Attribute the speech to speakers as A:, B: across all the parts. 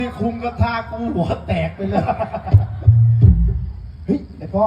A: คุมกระทากูหัวแตกไปเลย
B: เฮ้ยไอ้พ่อ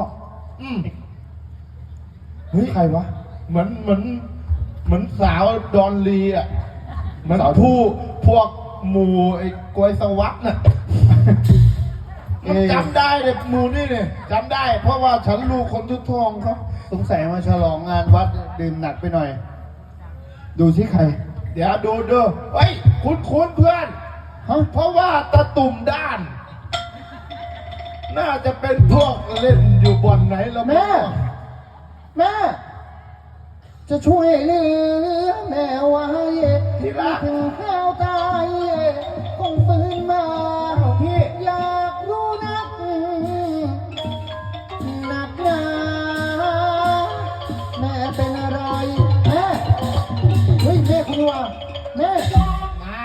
B: เฮ้ยใครวะ
A: เหมือนสาวดอนลีอ่ะเหมือนพวกหมู่ไอ้กวยสวัสด์น่ะมันจำได้เลยหมู่นี่เนี่ยจำได้เพราะว่าฉันลูกคนทุกทองเขา
B: สงสัยมาฉลองงานวัดดื่มหนักไปหน่อยดูที่ใคร
A: เดี๋ยวดูเฮ้ยคุ้นเพื่อนเพราะว่าตะตุ่มด้านน่าจะเป็นพวกเล่นอยู่บ่อนไหนแล้ว
B: แม่จะช่วยเหลือแม่ไว้
A: ที่รัก
B: ถึงข้าวตายคงฟื้นมาพี่อยากรู้นักหนักหนาแม่เป็นอะไรแม่เฮ้ยแม่คุณว่าแม่
A: มา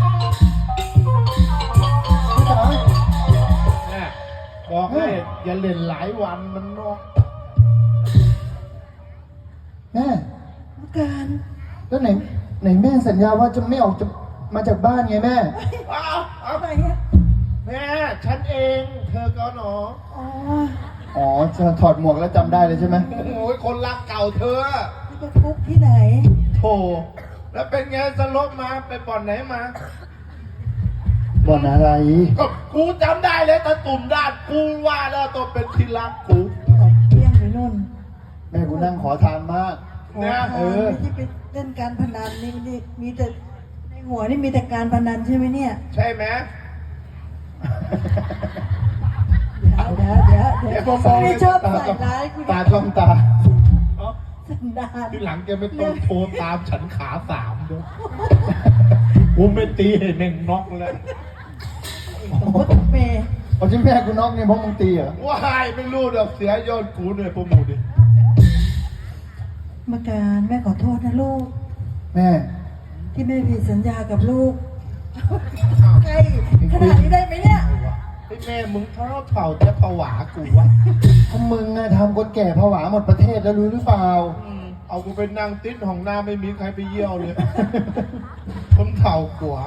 B: พี่จ๋า
A: บอกให้อย่าเล่นหลายวันมันนอก
B: แม่การแล้วไหนแม่สัญญาว่าจะไม่ออกจะมาจากบ้านไงแม่
A: เอาไปแม่ฉันเองเธอก็หนอ
B: อ๋อจะถอดหมวกแล้วจำได้เลยใช่ไหม
A: โอ้ยคนรักเก่าเธอ
C: จะทุกที่ไหน
A: โธ่แล้วเป็นไงสลบมาไปบ่อนไหนมา
B: บ่อนอะไร
A: ก็กูจำได้เลยตะตุ่มด้านกูว่าแล้วตัวเป็นที่รักกู
C: เลี้ยงไปนู่น
B: แม่กูนั่งขอทานมาก
C: นะที่ไปเล่นการพนันนี่มีแต่ในหัวนี่มีแต่การพนันใช่ไหมเนี่ย
A: ใช่ไหม
C: เดี๋ยวไม่ชอบใส่ร้าย
B: ตาจ้องตา
C: สันดาน
A: ที่หลังแกไม่ต้องโทรตามฉันขาสามด้วยกูไม่ตีให้แม่งน็อกแล้ว
C: เมย์
B: เอาชิ้นแม่กูน็อกเนี่ยเพราะมึงตีเหรอ
A: ว้ายไม่รู้ดอกเสียยอดกูเนี่ยพวกมึงดิ
C: มาการแม่ขอโทษนะลูก
B: แม่
C: ที่แม่ผิดสัญญากับลูกใช่ขนาดนี้ได้ไหมเนี่ย
A: ไอ้แม่มึงเท่าจะผวากูวะ
B: ถ้ามึงทำคนแก่ผวาหมดประเทศแล้วรู้หรือเปล่า
A: เอากูเป็นนางติดของหน้าไม่มีใครไปเยี่ยวเลยคนเท่ากว่า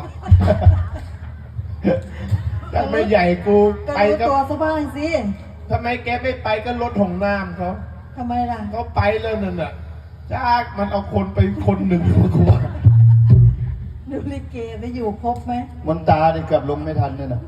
A: ถ้าไม่ใหญ่กู
C: ไปตัวซะบ้างสิ
A: ทำไมแกไม่ไปก็รถของน้ำเขา
C: ทำไมล่ะ
A: เขาไปแล้วนั่นน่ะจากมันเอาคนไปคนหนึ่งกูว่า
C: ดูลิเกได้อยู่ครบไหม
B: มนตาเนี่ยเกือบลงไม่ทันเนี่ยนะ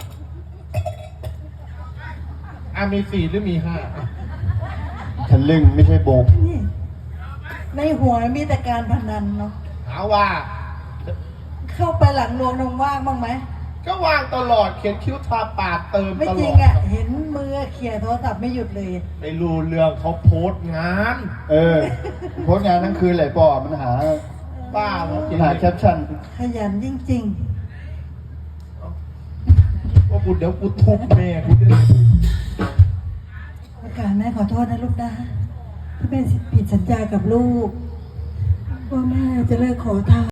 A: มี4หรือมี5
B: ทะลึ่งไม่ใช่โบก
C: นี่ในหัวมีแต่การพนันเนาะ
A: หาว่า
C: เข้าไปหลังโรงนมว่างบ้างไหม
A: ก็ว่างตลอดเขียนคิ้วทาปากเติมตลอด
C: ไม่จริงอ่ะเห็นมือเขี่ยโทรศัพท์ไม่หยุดเลย
A: ไม่รู้เรื่องเขาโพสงาน
B: โพสงานทั้งคืนเลยปอมันหา
A: บ้า
B: หาแคปชั่น
C: ขยันจริง
A: ๆว่ากูเดี๋ยวกูทุบแม่กูด้วย
C: ประกาศแม่ขอโทษนะลูกนะที่แม่ผิดสัญญากับลูกว่าแม่จะเลิกขอทาน